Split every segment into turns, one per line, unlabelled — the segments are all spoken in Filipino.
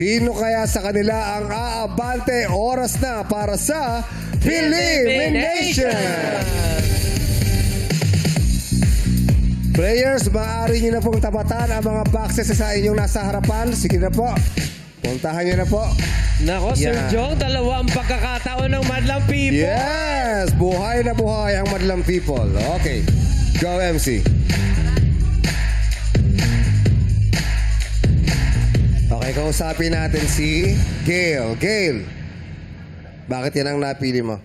Sino kaya sa kanila ang aabante? Oras na para sa Elimination! Players, maaari nyo na pong tapatan ang mga boxes sa inyong nasa harapan. Sige na po. Puntahan nyo na po.
Nako, Sir
Yan.
Jong, dalawang pagkakataon ng Madlang People.
Yes! Buhay na buhay ang Madlang People. Okay. Go, MC. Okay, kausapin natin si Gail. Gail, bakit yan ang napili mo?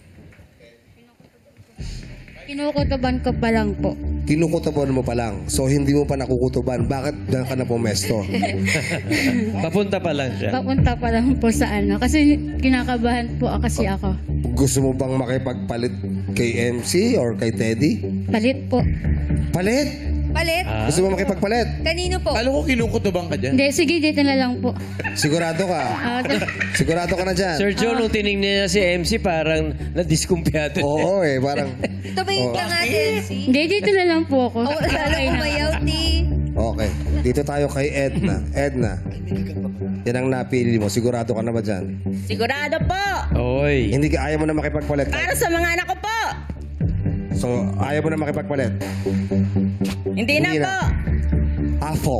Kinukutuban ko pa lang po.
Kinukutuban mo pa lang. So, hindi mo pa nakukutuban. Bakit diyan ka na pumesto?
Papunta pa lang siya.
Papunta pa lang po sa ano. Kasi kinakabahan po kasi ako.
Gusto mo bang makipagpalit kay MC or kay Teddy?
Palit po.
Palit?
Palit?
Gusto mo makipagpalit?
Kanino po?
Alam ko kinukutubang ka dyan.
Hindi, sige, dito na lang po.
Sigurado ka? Sigurado ka na dyan?
Sir Jong, nung tinignan niya si MC, parang nadiskumpiyado.
Oo eh, parang...
Ito ba yung tangatin?
Hindi, dito na lang po ako.
Oh, lalo
Okay na.
umayaw ni...
Okay. Dito tayo kay Edna. Edna, yan ang napili mo. Sigurado ka na ba dyan?
Sigurado po.
Oy.
Hindi ka, ayaw mo na makipagpalit.
Para sa mga anak ko po.
So, ayaw mo na makipagpalit.
Hindi na po.
Afo.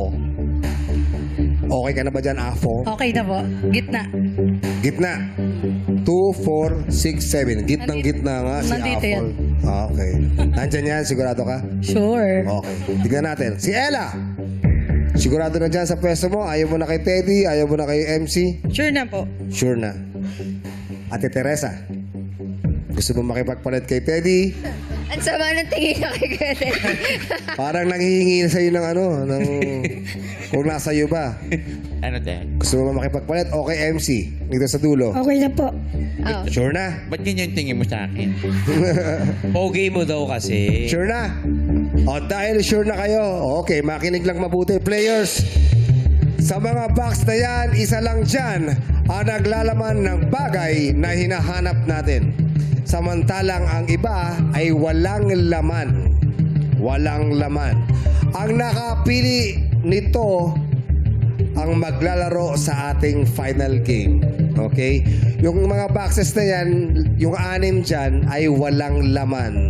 Okay ka na ba dyan, Afo?
Okay na po. Gitna.
Gitna. 2, 4, 6, 7. Gitnang gitna nga si
Nandito
Afo.
yan.
Okay. Nandyan yan, sigurado ka?
Sure.
Okay. Tignan natin. Si Ella. Sigurado na dyan sa pwesto mo. Ayaw mo na kay Teddy. Ayaw mo na kay MC.
Sure na po.
Sure na. Ate Teresa. Gusto mo makipagpalit kay Teddy?
Ang sama ng tingin na kay Kete.
Parang nanghihingi na sa'yo ng ano, ng... kung nasa iyo ba.
Ano din?
Gusto mo makipagpalit? Okay, MC. Dito sa dulo.
Okay na po.
Oh.
Sure na?
Ba't ganyan tingin mo sa akin?
Pogi mo daw kasi.
Sure na? O dahil sure na kayo, okay, makinig lang mabuti. Players, sa mga box na yan, isa lang dyan ang naglalaman ng bagay na hinahanap natin. Samantalang ang iba ay walang laman. Walang laman. Ang nakapili nito ang maglalaro sa ating final game. Okay? Yung mga boxes na yan, yung 6 dyan ay walang laman.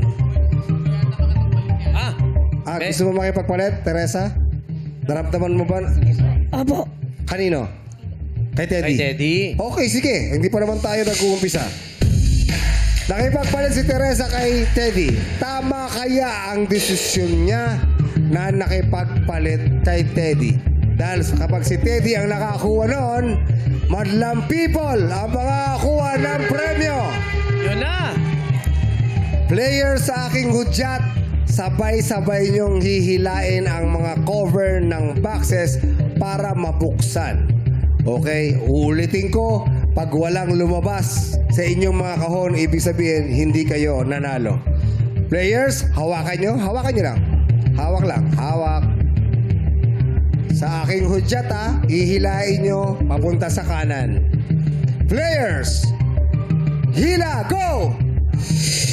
Gusto mo makipagpalit, Teresa? Naramdaman mo ba?
Opo.
Kanino? Kay Teddy?
Kay Teddy.
Okay, sige. Hindi pa naman tayo nag-uumpisa. Nakipagpalit si Teresa kay Teddy. Tama kaya ang desisyon niya na nakipagpalit kay Teddy? Dahil kapag si Teddy ang nakakuha noon, Madlang People ang makakakuha ng premyo.
Yun na.
Player sa aking hudyat, sabay-sabay niyong hihilain ang mga cover ng boxes para mabuksan. Okay? Uulitin ko, pag walang lumabas sa inyong mga kahon, ibig sabihin, hindi kayo nanalo. Players, hawakan nyo. Hawakan nyo lang. Hawak lang. Hawak. Sa aking hudyat, hihilain nyo papunta sa kanan. Players, hila, go!